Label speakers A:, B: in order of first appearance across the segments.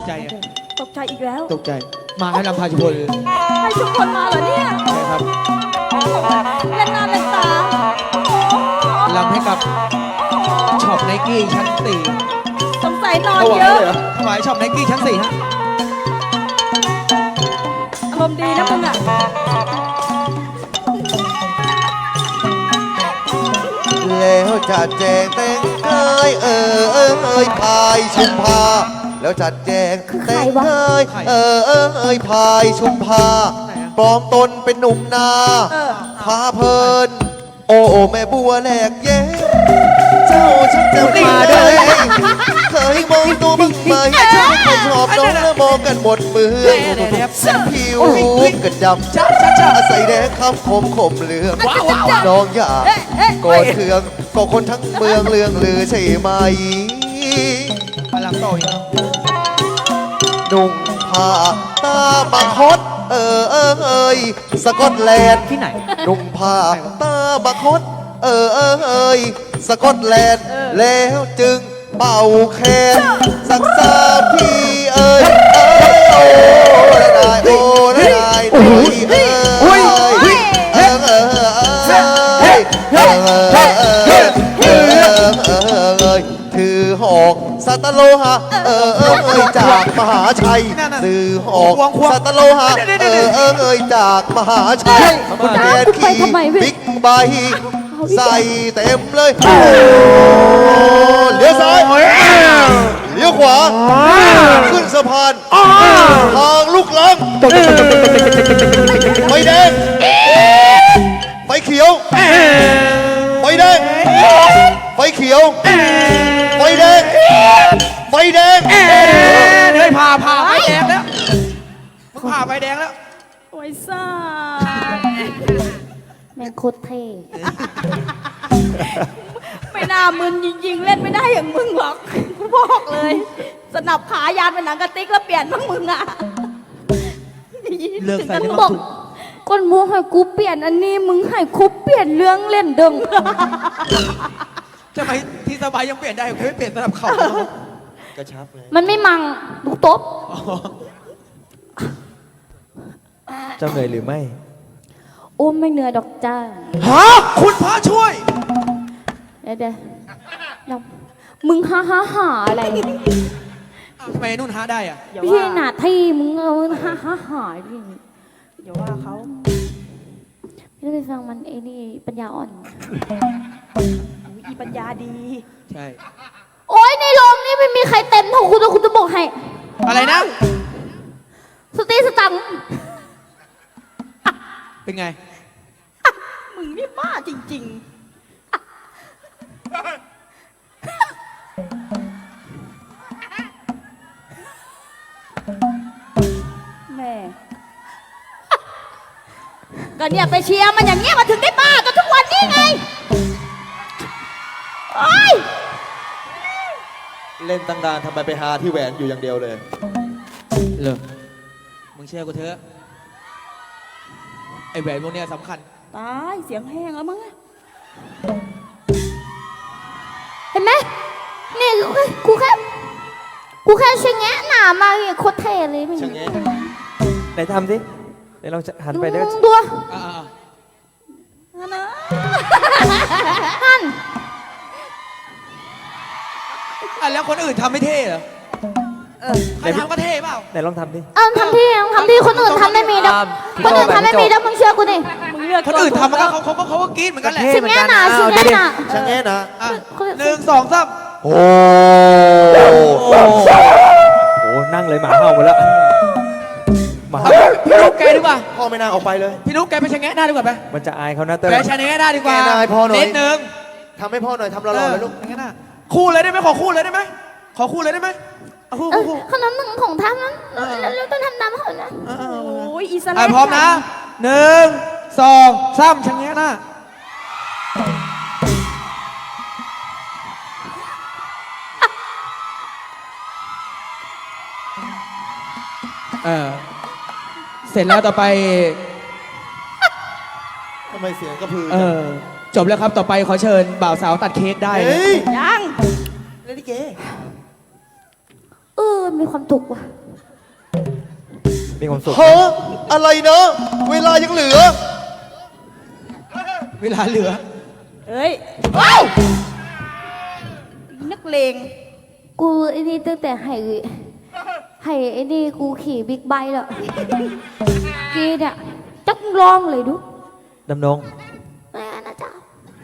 A: ใจอะ
B: ตกใจอีกแล้ว
A: ตกใจมาให้ลำพาชุพล
B: ให้ชุมพลมาเหรอเนี่ย
A: ใช่ครับ
B: เล่นหน้าเล่นตา
A: ลำให้กับช็อปไนกี้ชั้นสี่
B: สงสัยนอน
A: ถวาย
B: เยอะ
A: เลยเหรอถวายช็อปไนกี้ชั้นสี่ฮะ
B: อารมณ์ดีนะมึงอ่ะ
C: แล้วจัดแจงแต่งกายพายชุมพาแล้วจัดแจงแต่งกายพายชุมพาปลอมตนเป็นหนุ่มนา
B: เออ
C: พาเพลินโอ้แม่บัวแหลกแย้เจ้าช่างจะมาได้เคยมองตัวบ้างไหมเจ้าคนชอบน้องและมองกันหมดเมืองผิวกันดำใส่แดงคำคมเหลืองน้องอยากกอดเคืองก็คนทั้งเมืองเรื่องลือใช่ไหม
A: มาลำต่ออีกแล้ว
C: นุ่งผ้าตาบังคดสกอตแลนด์
A: ที่ไหน
C: นุ่งผ้าตาบังคดสกอตแลนด์แล้วจึงเป่าแคนสักสามทีโอ้ได้โอ้ได้โอ้ถือหอกสัตโลหะจากมหาชัยถือหอกสัตโลหะจากมหาชัยแดนขี่บิ๊กไบค์ใส่เต็มเลยเลี้ยวซ้ายเลี้ยวขวาขึ้นสะพานทางลูกลังไฟแดงไฟเขียวไฟแดงไฟเขียวไฟแดงไฟแดง
A: เฮ้ยผ่าไฟแดงแล้วมึงผ่าไฟแดงแล้ว
B: โอ้ยซ่า
D: แม่งโคตรเท่
B: ไม่น่ามึนจริงๆ เล่นไม่ได้อย่างมึงหรอก กูบอกเลย สนับขายานเป็นหนังกระติกแล้วเปลี่ยนบ้างมึงอ่ะ
A: เลิกใส่
B: ถึง
A: ได้
B: กับ
A: บ้า
B: บ
A: ง
B: อก
D: ก้นมูให้กูเปลี่ยนอันนี้มึงให้กูเปลี่ยนเรื่องเล่นเดิง
A: ทำไมที่สบายยังเปลี่ยนได้ไม่เปลี่ยนสำหรับเขา
C: กระชับไง
D: มันไม่มังลูกตบ
C: เจ้าเหนื่อยหรือไม่
D: โอ้ไม่เหนื่อยดอกจ้า
A: ฮะคุณพระช่วย
D: เดี๋ยวมึงฮ่าอะไร
A: ทำไมนุ่นฮะได้อะ
B: อย่า
D: พี่
B: ว่า
D: หนาที่มึงเอาฮ่าดิ
B: อย่าว่าเขา
D: ไม่ได้ไปฟังมันไอ้นี่ปัญญาอ่อน
B: อุ๊ยอีปัญญาดี
A: ใช่
D: โอ้ยในโรงนี่ไม่มีใครเต็มเท่าคุณแล้วคุณจะบอกให้
A: อะไรนะ
D: สตีสตังค์
A: เป็นไง
B: มึงนี่บ้าจริงๆ แม่ ก็เนี่ยไปเชียร์มันอย่างเงี้ยมันถึงได้บ้ากันทุกวันนี้ไงโอ้ย
C: เล่นตั้งนานทำไมไปหาที่แหวนอยู่อย่างเดียวเลย
A: เลิกมึงเชื่อกูเถอะไอแหวนพวกเนี้ยสำคัญ
B: ตายเสียงแห้งแล้วมั้งอะ
D: เห็นไหมนี่กูแค่ชะแงะหนามาเนี่ยโคตรเท่เลยมึง
C: ชะแงะ
E: ไหนทำสิไหนลองหันไปได้
D: ตัว
A: อ่า
B: นั่นนะ
D: หัน
A: แล้วคนอื่นทำไม่เท่เหรอใครทำก็เท่เปล่า
E: ไหนลองทำดิ
D: เอาทำที่คนอื่นทำไม่มีดอกคนอื่นทำไม่มีดอกมึงเชื่อกูดิ
B: มึงเลือก
A: คนอื่นทำมันก็เขาก็กรี๊ดเหมือนกันแหละ
D: ชะแงะหนาชะแงะหนา
C: ชะแงะนะ
A: อ่ะ1 2 3
C: โอ้
E: โอ้นั่งเลยหมาเห่าหมดแล้วหมา
A: พี่นุ๊กแกดีกว่า
C: พ่อไม่น่าออกไปเลย
A: พี่นุ๊กแกไปชะแงะหน้าดีกว่าไหม
E: มันจะอายเขานะเต้ย
A: แกชะแงะหน้าดีกว่า
C: แกหน้าให้พ่อหน่อย
A: นิดนึง
C: ทำให้พ่อหน่อยทำรอๆเลยลูก
A: ชะแงะหน้าคู่เลยได้ไหมขอคู่เลยได้ไหมขอคู่เลยได้ไหมเอาคู่
D: เออขนมหนึ่งของทำนั้นแล้วต้องทำน้ำเขานะ
B: โอ้ยอีส
A: อ่ะ
B: แลน
A: พร้อมนะ1 2 3ชะแงะหน้าเสร็จแล้วต่อไป
C: ทำไมเสียงกระพือ
A: จบแล้วครับต่อไปขอเชิญบ่าวสาวตัดเค้กได้นะ
C: เฮ้ย
B: ยัง
C: เล่นลิเก
D: เออแหมมีความสุขว่ะ
E: มีความสุข
C: เฮ้ออะไรเนาะเวลายังเหลือ
A: เวลาเหลือ
B: เฮ้ยว้าวนักเลง
D: กูไอ้นี่ตั้งแต่ให้ไอ้นี่กูขี่บิ๊กไบค์แล้วกีเนี่ยจักลองเลยดู
E: ดำดง
D: แม่นะจ๊ะ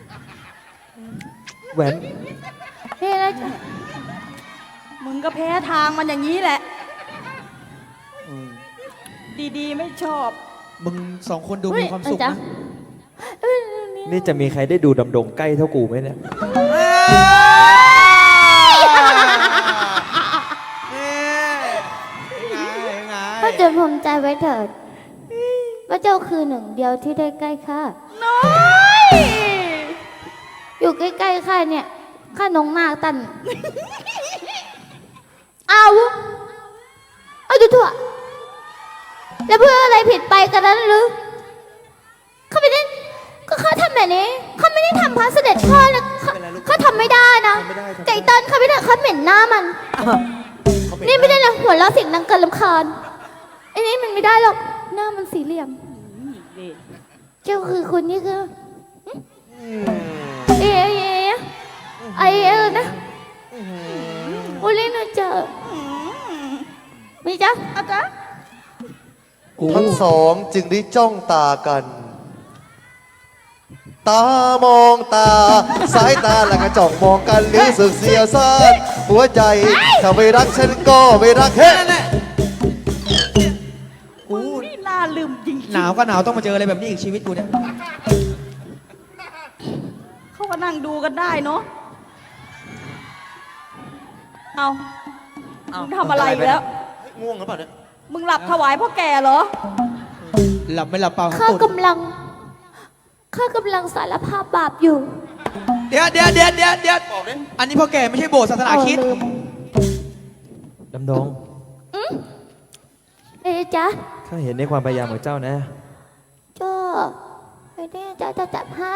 E: แหวน
D: แม่นะจ๊ะ
B: มึงก็แพ้ทางมันอย่างนี้แหละ ดีๆไม่ชอบ
A: มึงสองคนดูมีความสุข
D: จ๊ะ
A: นะ
D: เอ้ย
E: นี่จะมีใครได้ดูดำดงใกล้เท่ากูไหมเนี่ย
D: พระเจ้าภูมิใจไว้เถิดพระเจ้าคือหนึ่งเดียวที่ได้ใกล้ข้า
B: น้อย
D: อยู่ใกล้ๆข้าเนี่ยข้านงนาคตันเอาดูถั่วแล้วเพื่ออะไรผิดไปกันนั้นหรือข้าไม่ได้ก็ข้าทำแบบนี้ข้าไม่ได้ทำพระเสด็จพ่อนะข้าทำไม่ได้นะไก่ตันข้าไม่ได้ข้าเหม็นหน้ามัน นี่ไม่ได้นะหัวเราะเสียงดังเกินรำคาญไอ้นี่มันไม่ได้หรอกหน้ามันสี่เหลี่ยม เจ้าคือคนนี้คือเอ๊ะนะโอ้เล่นหนูเจอมีจ๊ะ
B: อาจารย์
C: ทั้งสองจึงได้จ้องตากัน ตามองตา สายตาแล้วก็จ้องมองกันรู้สึกเสียวซ่านหัวใจถ้าไม่รักฉันก็ไม่รักเฮ้
A: นั่นแหละกู
B: นี่น่าลืมจริง
A: หนาวก็หนาวต้องมาเจออะไรแบบนี้อีกชีวิตกูเนี่ย
B: ๆเขาก็นั่งดูกันได้เนาะเอามึงทำอะไรอีกแล้ว
C: ง่วงหรือเปล่าเนี่ย
B: มึงหลับถวายพ่อแก่เหรอ
A: หลับไม่หลับเปล่า
D: ข้า
A: ตุ่น
D: กำลังสารภาพบาปอยู่
A: เดี๋ยวอันนี้พ่อแก่ไม่ใช่โบสถ์ศาสนาคริสต์
D: ลืม
E: ดำดง
D: เอ๊ะจ๊ะ
E: ข้าเห็นในความพยายามของเจ้านะ
D: ก็ไอ้นี่จ๊ะจะจับให้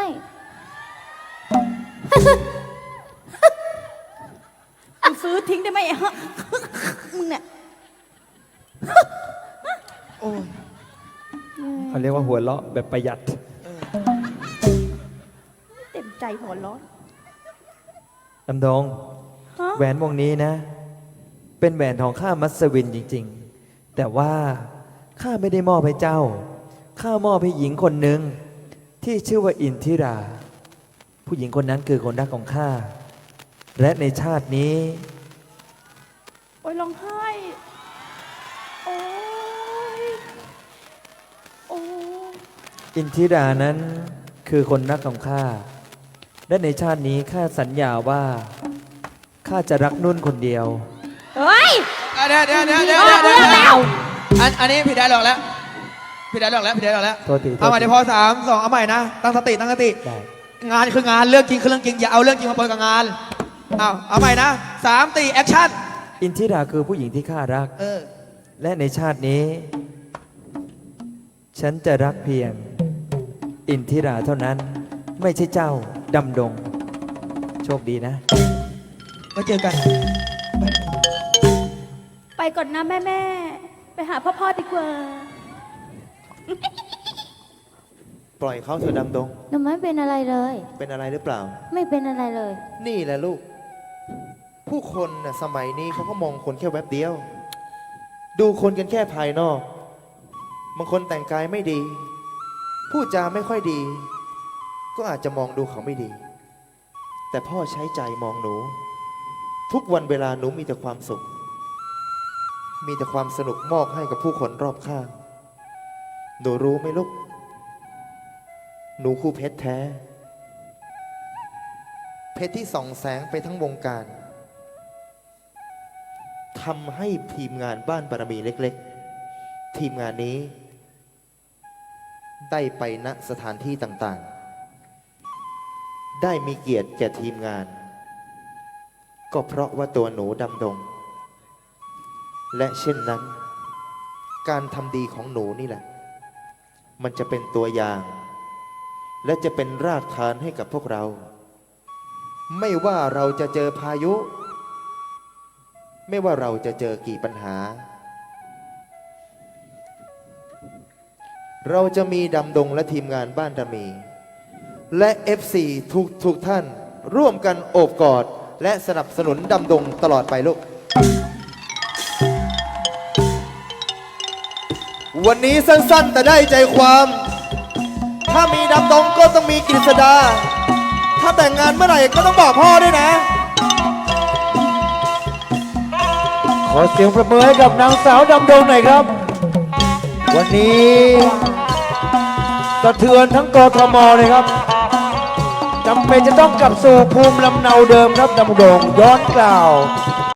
B: มึงซื้อทิ้งได้ไหมฮะมึงเนี่ย
A: โอ้ย
E: เขาเรียกว่าหัวเราะแบบประหยัด
B: เต็มใจหัวร้อน
E: ดำดง
B: ฮะ
E: แหวนวงนี้นะ เป็นแหวนทองข้ามัสวินจริงๆ แต่ว่าข้าไม่ได้มอบให้เจ้า ข้ามอบให้หญิงคนหนึ่งที่ชื่อว่าอินทิรา ผู้หญิงคนนั้นคือคนรักของข้า และในชาตินี้
B: โอ้ยร้องไห้ โอ้ย โอ้ย
E: อินทิรานั้นคือคนรักของข้า และในชาตินี้ข้าสัญญาว่าข้าจะรักนุ่นคนเดียว
B: เฮ้ย
A: เดี๋ยวอันนี้ผิดได้หรอกแล้วผิดได้หรอกแล้ว
E: โทษที
A: เอาใหม่เดี๋ยวพอ3 2เอาใหม่นะตั้งสติ
E: ได้
A: งานคืองานเรื่องจริงคือเรื่องจริงอย่าเอาเรื่องจริงมาปนกับงานเอาใหม่นะ3 4แอคชั่น
E: อินทิราคือผู้หญิงที่ข้ารัก และในชาตินี้ ฉันจะรักเพียง อินทิราเท่านั้น ไม่ใช่เจ้าดำดง โชคดีนะ
A: มาเจอกัน
B: ไปก่อนนะแม่ ไปหาพ่อดีกว่า
C: ปล่อยเขาเถอะดำดง
D: หนูไม่เป็นอะไรเลย
C: เป็นอะไรหรือเปล่า
D: ไม่เป็นอะไรเลย
C: นี่แหละลูก ผู้คนน่ะสมัยนี้เขาก็มองคนแค่แวบเดียว ดูคนกันแค่ภายนอก บางคนแต่งกายไม่ดี พูดจาไม่ค่อยดี ก็อาจจะมองดูเขาไม่ดี แต่พ่อใช้ใจมองหนู ทุกวันเวลาหนูมีแต่ความสุข มีแต่ความสนุกมอบให้กับผู้คนรอบข้าง หนูรู้ไหมลูก หนูคู่เพชรแท้ เพชรที่ส่องแสงไปทั้งวงการทำให้ทีมงานบ้านบารมีเล็กๆ ทีมงานนี้ ได้ไปณสถานที่ต่างๆ ได้มีเกียรติแก่ทีมงาน ก็เพราะว่าตัวหนูดำดง และเช่นนั้น การทำดีของหนูนี่แหละ มันจะเป็นตัวอย่าง และจะเป็นรากฐานให้กับพวกเรา ไม่ว่าเราจะเจอพายุไม่ว่าเราจะเจอกี่ปัญหา เราจะมีดำดงและทีมงานบ้านระมี และ FC ทุกท่านร่วมกันโอบกอด และสนับสนุนดำดงตลอดไปลูก วันนี้สั้นๆแต่ได้ใจความ ถ้ามีดำดงก็ต้องมีกฤษดา ถ้าแต่งงานเมื่อไหร่ก็ต้องบอกพ่อด้วยนะ
E: ขอเสียงประมือให้กับนางสาวดำดงหน่อยครับ วันนี้สะเทือนทั้งกทมเลยครับจำเป็นจะต้องกลับสู่ภูมิลำเนาเดิมครับดำดงย้อนกล่าว